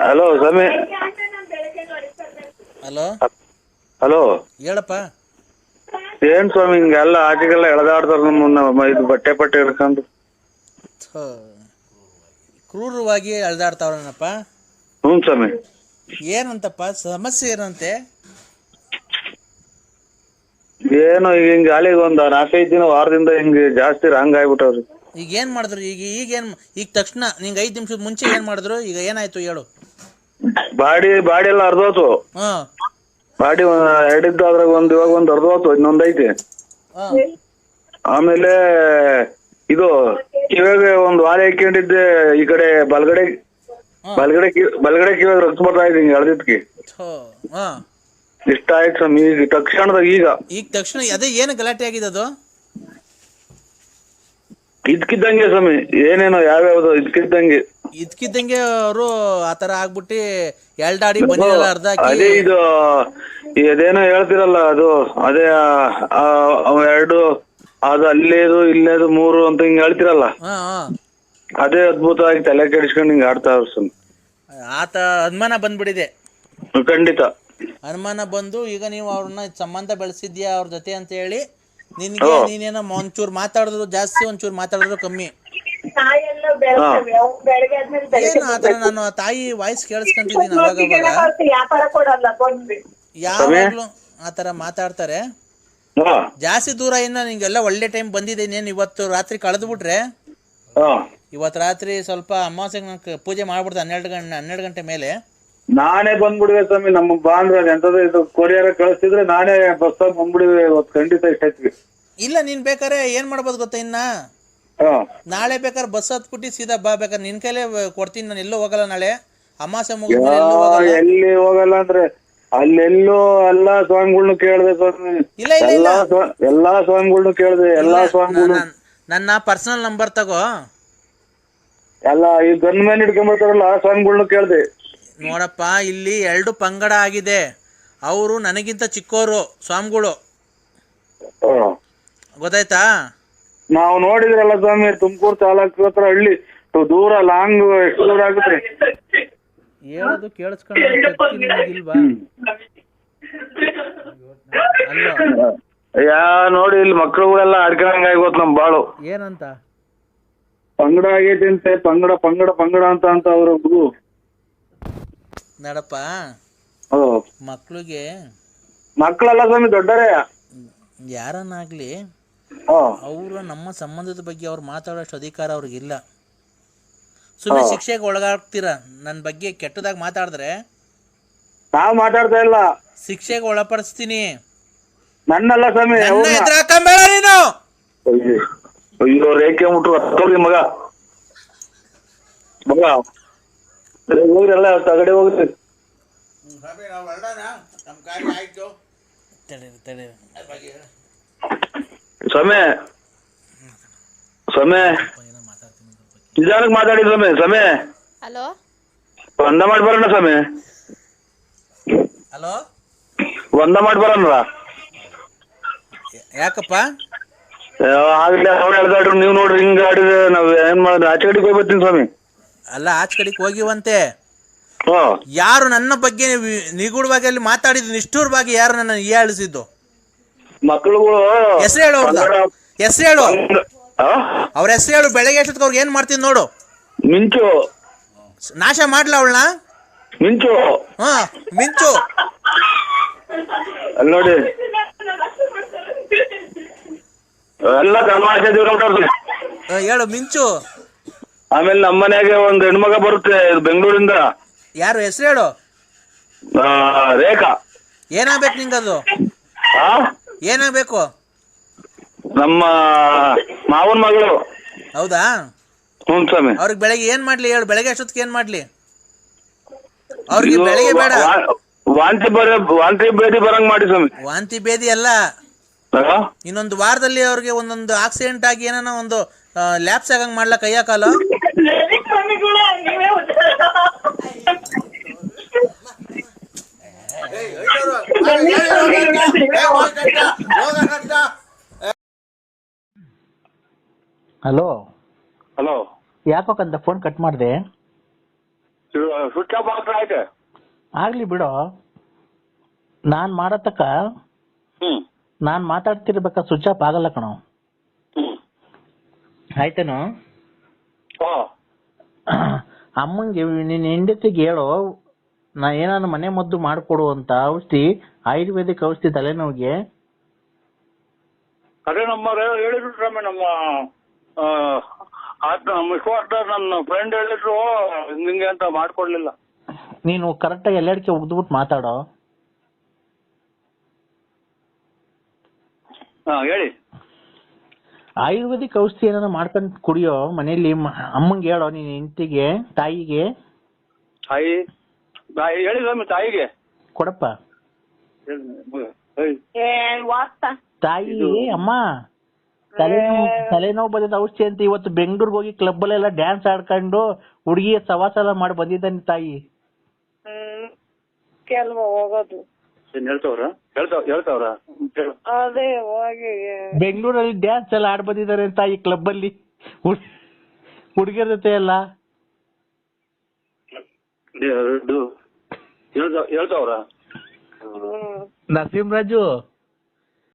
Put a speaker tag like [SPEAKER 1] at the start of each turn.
[SPEAKER 1] Hello ಸ್ವಾಮಿ.
[SPEAKER 2] Hello
[SPEAKER 1] hello
[SPEAKER 2] ಹೇಳಪ್ಪ.
[SPEAKER 1] ಏನ್ ಸ್ವಾಮಿ ಹಿಂಗೆಲ್ಲ ಆಚೆಗೆಲ್ಲ ಎಳೆದಾಡ್ತಾರ ನಮ್ಮನ್ನ ಇದು ಬಟ್ಟೆ ಹಿಡ್ಕೊಂಡು.
[SPEAKER 2] ಕ್ರೂರವಾಗಿ ಅಳ್ದಾಡ್ತಾವ್ರನಪ್ಪ.
[SPEAKER 1] ಹ್ಞೂ ಸ್ವಾಮಿ.
[SPEAKER 2] ಏನಂತಪ್ಪ ಸಮಸ್ಯೆ ಏನಂತೆ?
[SPEAKER 1] ಏನು ಈಗ ಹಿಂಗೆ ಅಲ್ಲಿಗೆ ಒಂದು 4-5 ದಿನ ವಾರದಿಂದ ಹಿಂಗೆ ಜಾಸ್ತಿ ರಾಂಗ್ ಆಗ್ಬಿಟ್ಟವ್ರಿ.
[SPEAKER 2] ಈಗ ಏನು ಮಾಡಿದ್ರು? ಈಗ ತಕ್ಷಣ ನಿಂಗೆ 5 ನಿಮಿಷದ ಮುಂಚೆ ಏನು ಮಾಡಿದ್ರು? ಈಗ ಏನಾಯ್ತು ಹೇಳು.
[SPEAKER 1] ಬಾಡಿ ಎಲ್ಲ ಅರ್ಧೋತು.
[SPEAKER 2] ಹಾಂ
[SPEAKER 1] ಬಾಡಿ ಎರಡಿದ್ದು ಅದ್ರಾಗ ಇವಾಗ ಒಂದು ಅರ್ಧೋತು, ಇನ್ನೊಂದೈತಿ. ಆಮೇಲೆ ಇದು ಕಿವಿಗೆ ಒಂದು ವಾಲೆ ಹಾಕೊಂಡಿದ್ದೆ, ಈ ಕಡೆ ಬಲಗಡೆ ಕಿವಿಗೆ ರಕ್ತ ಬರ್ತಾ ಇದೆ ಹಿಂಗೆ ಎಳ್ದಿದ್ಕಿ. ಇಷ್ಟ ಆಯ್ತು ಸ್ವಾಮಿ ಈಗ ತಕ್ಷಣದಾಗ. ಈಗ
[SPEAKER 2] ತಕ್ಷಣ ಅದೇ ಏನು ಗಲಾಟೆ ಆಗಿದೆ ಅದು?
[SPEAKER 1] ಇದ್ಕಿದ್ದಂಗೆ ಸ್ವಾಮಿ, ಏನೇನೋ ಯಾವ್ಯಾವ್ದು ಇದ್ಕಿದ್ದಂಗೆ
[SPEAKER 2] ಅವರು ಆತರ ಆಗ್ಬಿಟ್ಟು ಎಲ್ಡಾಡಿ ಬಂದಿರಲ್ಲ ಅರ್ಧ
[SPEAKER 1] ಅದೇ ಇದು ಅದೇನೋ ಹೇಳ್ತಿರಲ್ಲ ಅದು ಅದೇ ಎರಡು ಅದು ಅಲ್ಲೇದು ಇಲ್ಲೇದು 3 ಅಂತ ಹಿಂಗ್ ಹೇಳ್ತಿರಲ್ಲ, ಅದೇ ಅದ್ಭುತವಾಗಿ ತಲೆ ಕೆಡಿಸ್ಕೊಂಡು ಹಿಂಗ್ ಆಡ್ತಾ ಸ್ವಾಮಿ.
[SPEAKER 2] ಆತ ಅನುಮಾನ ಬಂದ್ಬಿಟ್ಟಿದೆ.
[SPEAKER 1] ಖಂಡಿತ
[SPEAKER 2] ಅನುಮಾನ ಬಂದು ಈಗ ನೀವು ಅವ್ರನ್ನ ಸಂಬಂಧ ಬೆಳೆಸಿದ್ಯಾ ಅವ್ರ ಜೊತೆ ಅಂತ ಹೇಳಿ ನಿನ್ಗೆ ನೀನೇನೋ ಒಂಚೂರು ಮಾತಾಡಿದ್ರು ಜಾಸ್ತಿ, ಒಂಚೂರು ಮಾತಾಡಿದ್ರು ಕಮ್ಮಿ. ಏನು ಆತರ ನಾನು ತಾಯಿ ವಾಯ್ಸ್ ಕೇಳಿಸ್ಕೊಂತಿದ್ದೀನಿ ಅವಾಗ ಯಾವಾಗ್ಲೂ ಆತರ ಮಾತಾಡ್ತಾರೆ. ಜಾಸ್ತಿ ದೂರ ಇನ್ನ ನಿಂಗೆಲ್ಲ ಒಳ್ಳೆ ಟೈಮ್ ಬಂದಿದೆ. ಇನ್ನೇನು ಇವತ್ತು ರಾತ್ರಿ ಕಳೆದು ಬಿಟ್ರೆ ಇವತ್ತು ರಾತ್ರಿ ಸ್ವಲ್ಪ ಅಮಾವಾಸ್ಯೆಗೆ ಪೂಜೆ ಮಾಡ್ಬಿಡ್ತಾರೆ 12 ಗಂಟೆ ಮೇಲೆ.
[SPEAKER 1] ನಾನೇ ಬಂದ್ಬಿಡುವೆ ಸ್ವಾಮಿ. ನಮ್ಮ ಬಾಂದ್ರ ಎಂತದ ಇದು ಕೊರಿಯರ್ ಕಳಿಸ್ತಿದ್ರೆ ನಾನೇ ಬಸ್ ಬಂದ್ಬಿಡುವೆ ಇವತ್ತು ಖಂಡಿತ. ಇಷ್ಟೈತಿ
[SPEAKER 2] ಇಲ್ಲ ನೀನ್ ಬೇಕಾರೆ ಏನ್ ಮಾಡ್ಬೋದು ಗೊತ್ತಾ, ಇನ್ನ ನಾಳೆ ಬೇಕಾದ್ರೆ ಬಸ್ ಹತ್ಬಿಟ್ಟು ಸೀದಾ ಬಾ. ಬೇಕಾದ್ರೆ ನಿನ್ ಕೈಲೇ ಕೊಡ್ತೀನಿ. ನಾನು ಎಲ್ಲೂ ಹೋಗಲ್ಲ ನಾಳೆ ಅಮಾವಾಸ್ಯೆ ಮುಗಿದ್ಮೇಲೆ.
[SPEAKER 1] ಎಲ್ಲಿ ಹೋಗಲ್ಲ ಅಂದ್ರೆ ಅಲ್ಲೆಲ್ಲೋ ಎಲ್ಲಾ ಸ್ವಾಮಿಗಳ್ನು ಕೇಳ್ದೆ ಸ್ವಾಮಿ.
[SPEAKER 2] ಇಲ್ಲ ಇಲ್ಲ ಇಲ್ಲ
[SPEAKER 1] ಎಲ್ಲಾ ಸ್ವಾಮಿಗಳ್ನು ಕೇಳ್ದೆ. ಎಲ್ಲಾ ಸ್ವಾಮಿಗಳು
[SPEAKER 2] ನನ್ನ ಪರ್ಸನಲ್ ನಂಬರ್ ತಗೋ.
[SPEAKER 1] ಎಲ್ಲ ಈ ಗನ್ ಮ್ಯಾನ್ ಹಿಡ್ಕೊಂಡ್ಬರ್ತಾರಲ್ಲ ಆ ಸ್ವಾಮಿಗಳ್ನು ಕೇಳ್ದೆ.
[SPEAKER 2] ನೋಡಪ್ಪ, ಇಲ್ಲಿ 2 ಪಂಗಡ ಆಗಿದೆ. ಅವರು ನನಗಿಂತ ಚಿಕ್ಕೋರು ಸ್ವಾಮಿಗಳು, ಗೊತ್ತಾಯ್ತಾ? ನಾವು
[SPEAKER 1] ನೋಡಿದ್ರಲ್ಲ ಸ್ವಾಮಿ, ತುಮಕೂರು ತಾಲೂಕು ಹತ್ರ ಹಳ್ಳಿ ದೂರ ಲಾಂಗ್ ಎಷ್ಟು ದೂರ ಆಗುತ್ತೆ
[SPEAKER 2] ಹೇಳೋದು ಕೇಳಿಸ್ಕೊಂಡಿಲ್ವಾ?
[SPEAKER 1] ಯಾ ನೋಡಿ ಇಲ್ಲಿ ಮಕ್ಳುಗಳೆಲ್ಲ ಅಡ್ಕೊಂಡಂಗ ಆಗೋತ್ ನಮ್ ಬಾಳು.
[SPEAKER 2] ಏನಂತ
[SPEAKER 1] ಪಂಗಡ ಆಗೈತಿ ಅಂತೆ. ಪಂಗಡ ಅಂತ ಅವ್ರ ಹುಡುಗು
[SPEAKER 2] ನಡಪ್ಪ.
[SPEAKER 1] ಮಕ್ಕಳಲ್ಲ ಸ್ವಾಮಿ, ದೊಡ್ಡರೇ
[SPEAKER 2] ಯಾರನ್ನಾಗ್ಲಿ ಅವರು ನಮ್ಮ ಸಂಬಂಧದ ಬಗ್ಗೆ ಅವ್ರು ಮಾತಾಡೋಷ್ಟು ಅಧಿಕಾರ ಅವ್ರಿಗಿಲ್ಲ. ಸುಮ್ಮನೆ ಶಿಕ್ಷೆಗೆ ಒಳಗಾಗ್ತೀರ. ನನ್ನ ಬಗ್ಗೆ ಕೆಟ್ಟದಾಗ ಮಾತಾಡಿದ್ರೆ
[SPEAKER 1] ನಾವ್ ಮಾತಾಡ್ತಾ ಇಲ್ಲ,
[SPEAKER 2] ಶಿಕ್ಷೆಗೆ ಒಳಪಡಿಸ್ತೀನಿ.
[SPEAKER 1] ನನ್ನಲ್ಲ ಸ್ವಾಮಿ,
[SPEAKER 2] ಎದುರಾಕಂಬೇಡ ನೀನು.
[SPEAKER 1] ಅಯ್ಯೋ ರೇಖೆ ಮುಟ್ರು ಮಗ ಹೋಗ್ರಲ್ಲ ತಗಡೆ ಹೋಗ್ರಿ. ಸ್ವಾಮಿ ನಿಧಾನಕ್ಕೆ ಮಾತಾಡಿ ಸ್ವಾಮಿ.
[SPEAKER 3] ಹಲೋ,
[SPEAKER 1] ಒಂದ ಮಾಡಿ ಬರೋಣ ಸ್ವಾಮಿ.
[SPEAKER 2] ಹಲೋ,
[SPEAKER 1] ಒಂದ ಮಾಡಿ ಬರೋಣ.
[SPEAKER 2] ಯಾಕಪ್ಪ?
[SPEAKER 1] ಆಗ್ಲಿ ಅವ್ರು ಹೇಳ್ದಾಡ್ರು, ನೀವ್ ನೋಡ್ರಿ ಹಿಂಗ ಆಡಿದ್ರೆ ನಾವ್ ಏನ್ ಮಾಡಿದ್ರೆ ಆಚೆ ಕಡೆಗೆ ಹೋಗಿ ಬರ್ತೀನಿ ಸ್ವಾಮಿ.
[SPEAKER 2] ಅಲ್ಲ, ಆಚೆ ಕಡೆಗೆ ಹೋಗಿವಂತೆ. ಯಾರು ನನ್ನ ಬಗ್ಗೆ ನಿಗೂಢವಾಗಿ ಅಲ್ಲಿ ಮಾತಾಡಿದ್ದು ನಿಷ್ಠೂರವಾಗಿ ಯಾರು ನನ್ನ ಹೀಯಾಳಿಸಿದ್ದು?
[SPEAKER 1] ಮಕ್ಕಳುಗಳು
[SPEAKER 2] ಹೆಸರು ಹೇಳು, ಹೆಸರು ಹೇಳು, ಅವ್ರ ಹೆಸರು ಹೇಳು. ಬೆಳಗ್ಗೆ ಎಷ್ಟೊತ್ತಿಗೆ ಅವ್ರಿಗೆ ಏನ್ ಮಾಡ್ತೀನಿ ನೋಡು.
[SPEAKER 1] ಮಿಂಚು
[SPEAKER 2] ನಾಶ ಮಾಡ್ಲ ಅವಳನ್ನ.
[SPEAKER 1] ಮಿಂಚು
[SPEAKER 2] ಮಿಂಚು
[SPEAKER 1] ಅಲ್ಲಿ ನೋಡಿ ಎಲ್ಲ ತಮಾಷೆ
[SPEAKER 2] ಹೇಳು ಮಿಂಚು.
[SPEAKER 1] ಆಮೇಲೆ ನಮ್ಮ ಮನೆಗೆ ಒಂದ್ ಹೆಣ್ಮಗ ಬರುತ್ತೆ ಬೆಂಗಳೂರಿಂದ.
[SPEAKER 2] ಯಾರು? ಹೆಸರು ಹೇಳು.
[SPEAKER 1] ರೇಖಾ.
[SPEAKER 2] ಏನಾಗ್ಬೇಕು ನಿಂಗದು? ಏನಾಗ್ಬೇಕು?
[SPEAKER 1] ನಮ್ಮ ಮಾವನ್ ಮಗಳು.
[SPEAKER 2] ಹೌದಾ?
[SPEAKER 1] ಹ್ಞೂ ಸ್ವಾಮಿ.
[SPEAKER 2] ಅವ್ರಿಗೆ ಬೆಳಗ್ಗೆ ಏನ್ ಮಾಡ್ಲಿ ಹೇಳು? ಬೆಳಗ್ಗೆ ಅಷ್ಟೊತ್ತಿಗೆ ಏನ್ ಮಾಡ್ಲಿ ಅವ್ರಿಗೆ? ಬೆಳಗ್ಗೆ ಬೇಡ,
[SPEAKER 1] ವಾಂತಿ ಭೇದಿ ಬರಂಗ್ ಮಾಡಿ ಸ್ವಾಮಿ.
[SPEAKER 2] ವಾಂತಿ ಭೇದಿ ಅಲ್ಲ, ಇನ್ನೊಂದು ವಾರದಲ್ಲಿ ಅವ್ರಿಗೆ ಒಂದೊಂದು ಆಕ್ಸಿಡೆಂಟ್ ಆಗಿ ಏನೋ ಒಂದು ಲ್ಯಾಪ್ಸ್ ಆಗಂಗ್ ಮಾಡ್ಲಾ ಕೈಯ ಕಾಲ.
[SPEAKER 4] ಹಲೋ
[SPEAKER 1] ಹಲೋ,
[SPEAKER 4] ಯಾಕಂತ ಫೋನ್ ಕಟ್ ಮಾಡಿದೆ?
[SPEAKER 1] ಸ್ವಿಚ್ ಆಫ್ ಆಗ್ತಾ ಐತೆ.
[SPEAKER 2] ಆಗ್ಲಿ ಬಿಡೋ, ನಾನ್ ಮಾಡತಕ್ಕ ನಾನ್ ಮಾತಾಡ್ತಿರ್ಬೇಕ ಸ್ವಿಚ್ ಆಫ್ ಆಗಲ್ಲ ಕಣೋ. ಆಯ್ತೇನೋ? ಅಮ್ಮಂಗೆ ನಿನ್ನ ಹೆಂಡತಿಗೆ ಹೇಳು, ನಾ ಏನಾದ್ರು ಮನೆ ಮದ್ದು ಮಾಡ್ಕೊಡು ಅಂತ ಔಷಧಿ, ಆಯುರ್ವೇದಿಕ್ ಔಷಧಿ ತಲೆನೋವಿಗೆ.
[SPEAKER 1] ಅದೇ ನಮ್ಮ ಹೇಳಿದ್ರು ಸ್ವಾಮಿ, ನಮ್ಮ ನನ್ನ ಫ್ರೆಂಡ್ ಹೇಳಿದ್ರು ನಿಂಗೆ ಅಂತ ಮಾಡ್ಕೊಡ್ಲಿಲ್ಲ.
[SPEAKER 2] ನೀನು ಕರೆಕ್ಟಾಗಿ ಎಲ್ಲೆಡಕ್ಕೆ ಉಗ್ದ್ಬಿಟ್ಟು ಮಾತಾಡೋ.
[SPEAKER 1] ಹೇಳಿ.
[SPEAKER 2] ಆಯುರ್ವೇದಿಕ್ ಔಷಧಿ ಏನಾರ ಮಾಡ್ಕೊಂಡು ಕುಡಿಯೋ ಮನೇಲಿ. ಅಮ್ಮಂಗೆ ಹೇಳೋ, ನೀನ್ ಹೆಂಡತಿಗೆ, ತಾಯಿಗೆ.
[SPEAKER 1] ಹೇಳಿ ಸ್ವಾಮಿ, ತಾಯಿಗೆ
[SPEAKER 2] ಕೊಡಪ್ಪ. ತಾಯಿ, ಅಮ್ಮ ತಲೆನೋವು ಬಂದಿದ್ದ ಔಷಧಿ ಅಂತ ಇವತ್ತು ಬೆಂಗಳೂರಿಗೆ ಹೋಗಿ ಕ್ಲಬ್ ಅಲ್ಲೆಲ್ಲ ಡ್ಯಾನ್ಸ್ ಆಡ್ಕೊಂಡು ಹುಡುಗಿ ಸವಾಸ ಎಲ್ಲ ಮಾಡಿ ಬಂದಿದ್ದಾನೆ ತಾಯಿ.
[SPEAKER 3] ಹೋಗೋದು
[SPEAKER 1] ಹೇಳ್ತಾವ್ರ
[SPEAKER 3] ಅದೇ ಹೋಗಿ
[SPEAKER 2] ಬೆಂಗಳೂರಲ್ಲಿ ಡ್ಯಾನ್ಸ್ ಎಲ್ಲ ಆಡ್ ಬಂದಿದ್ದಾರೆ ತಾಯಿ ಕ್ಲಬ್ ಅಲ್ಲಿ ಹುಡುಗಿಯರ ಜೊತೆ ಎಲ್ಲ.
[SPEAKER 1] ಹೇಳ್ತಾವ್ರ
[SPEAKER 2] ನರಸಿಂಹರಾಜು